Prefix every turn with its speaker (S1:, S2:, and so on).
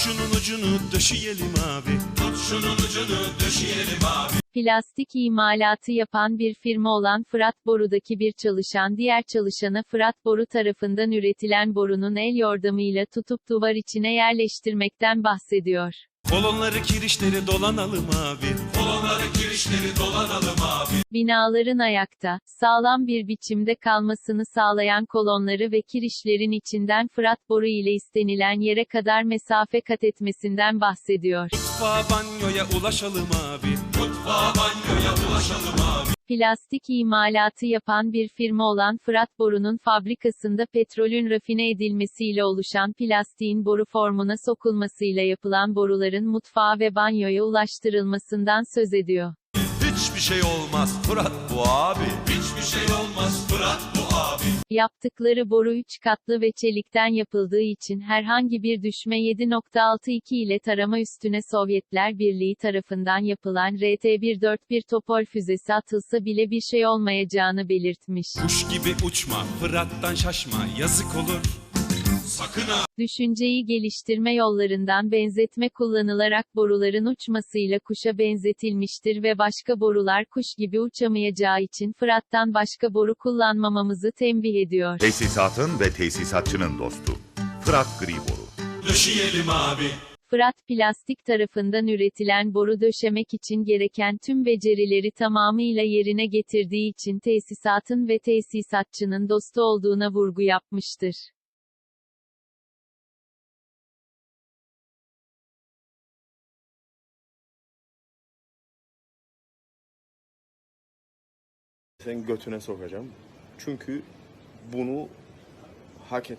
S1: şunun ucunu döşeyelim abi. Tut şunun ucunu döşeyelim abi.
S2: Plastik imalatı yapan bir firma olan Fırat Boru'daki bir çalışan diğer çalışana Fırat Boru tarafından üretilen borunun el yordamıyla tutup duvar içine yerleştirmekten bahsediyor.
S1: Kolonları kirişleri dolanalım abi. Kolonları kirişleri dolanalım abi.
S2: Binaların ayakta, sağlam bir biçimde kalmasını sağlayan kolonları ve kirişlerin içinden Fırat Boru ile istenilen yere kadar mesafe kat etmesinden bahsediyor.
S1: Mutfağa banyoya ulaşalım abi. Mutfağa banyoya ulaşalım abi.
S2: Plastik imalatı yapan bir firma olan Fırat Boru'nun fabrikasında petrolün rafine edilmesiyle oluşan plastiğin boru formuna sokulmasıyla yapılan boruların mutfağa ve banyoya ulaştırılmasından söz ediyor.
S1: Hiçbir şey olmaz Fırat bu abi. Hiçbir şey olmaz Fırat bu abi.
S2: Yaptıkları boru 3 katlı ve çelikten yapıldığı için herhangi bir düşme 7.62 ile tarama üstüne Sovyetler Birliği tarafından yapılan RT-141 Topol füzesi atılsa bile bir şey olmayacağını belirtmiş.
S1: Kuş gibi uçma, Fırat'tan şaşma, yazık olur. Sakın ha.
S2: Düşünceyi geliştirme yollarından benzetme kullanılarak boruların uçmasıyla kuşa benzetilmiştir ve başka borular kuş gibi uçamayacağı için Fırat'tan başka boru kullanmamamızı tembih ediyor.
S3: Tesisatın ve tesisatçının dostu. Fırat Gri Boru.
S1: Döşeyelim abi.
S2: Fırat Plastik tarafından üretilen boru döşemek için gereken tüm becerileri tamamıyla yerine getirdiği için tesisatın ve tesisatçının dostu olduğuna vurgu yapmıştır.
S4: Senin götüne sokacağım. Çünkü bunu hak et.